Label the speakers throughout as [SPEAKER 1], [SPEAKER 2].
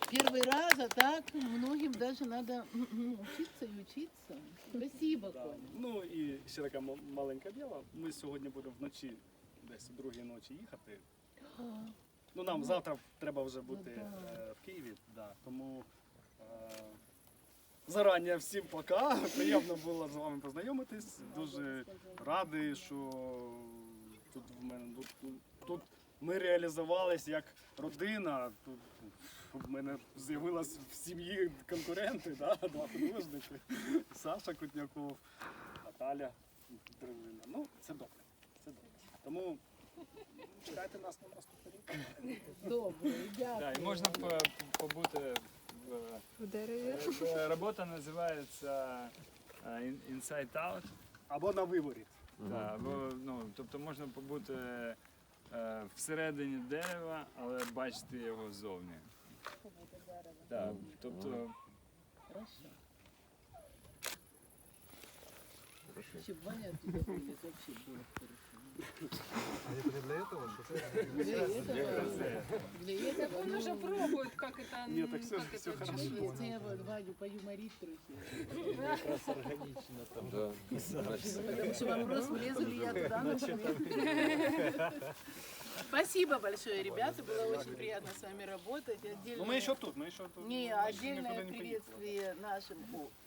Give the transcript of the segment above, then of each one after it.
[SPEAKER 1] Первый раз, а так многим даже надо учиться и учиться. Спасибо,
[SPEAKER 2] Да.
[SPEAKER 1] Коля.
[SPEAKER 2] Ну і ще таке маленьке діло. Ми сьогодні будемо вночі, десь о 2-й ночі їхати. Ну нам завтра треба вже бути в Києві, да. Тому зарані всім пока. Приємно було з вами познайомитись. Дуже радий, що тут в мене тут ми реалізувались як родина. Тут в мене з'явилось в сім'ї конкуренти, да? 2 художники. Саша Кутняков, Наталя Древина. Ну, це добре. Це добре. Тому чекайте нас на наступний рік.
[SPEAKER 1] Добре, дякую.
[SPEAKER 3] Да, і можна побути
[SPEAKER 4] В дереві.
[SPEAKER 3] Робота називається Inside Out.
[SPEAKER 2] Або на виборі.
[SPEAKER 3] Да, або, ну, тобто можна побути всередині дерева, але бачити його ззовні. Да, тобто,
[SPEAKER 1] Хорошо. Если бы Ваня оттуда вылез, вообще было хорошо.
[SPEAKER 5] А это для этого?
[SPEAKER 1] Для этого,
[SPEAKER 4] Он уже пробует, как это...
[SPEAKER 2] Ні, так все,
[SPEAKER 4] как
[SPEAKER 2] все
[SPEAKER 4] это
[SPEAKER 2] хорошо.
[SPEAKER 1] Если я Ваню поюморить трохи.
[SPEAKER 5] Якраз органічно там.
[SPEAKER 6] Да.
[SPEAKER 1] Потому что вопрос, влезу ли я туда, например. Спасибо большое, ребята. Было очень приятно с вами работать.
[SPEAKER 2] Ну ми ще тут, ми ще тут.
[SPEAKER 1] Не,
[SPEAKER 2] Ми
[SPEAKER 1] отдельное
[SPEAKER 2] нікуди не поїхали.
[SPEAKER 1] приветствие нашим.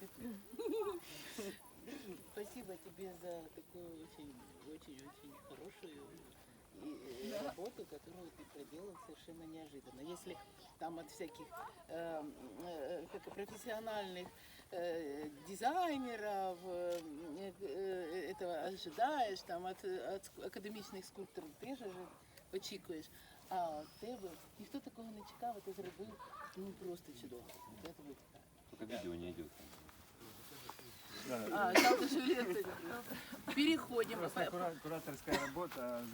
[SPEAKER 1] Спасибо тебе за такую очень хорошую работу, которую ты проделал совершенно неожиданно. Если там от всяких профессиональных дизайнеров этого ожидаешь, там от академічних скульпторів теж очікуєш. А от тебе ніхто такого не чекав, а ти зробив просто чудово. Я тобі вітаю.
[SPEAKER 6] Только видео не идет.
[SPEAKER 1] Жалко, что лекция. Переходим.
[SPEAKER 3] просто кураторська робота.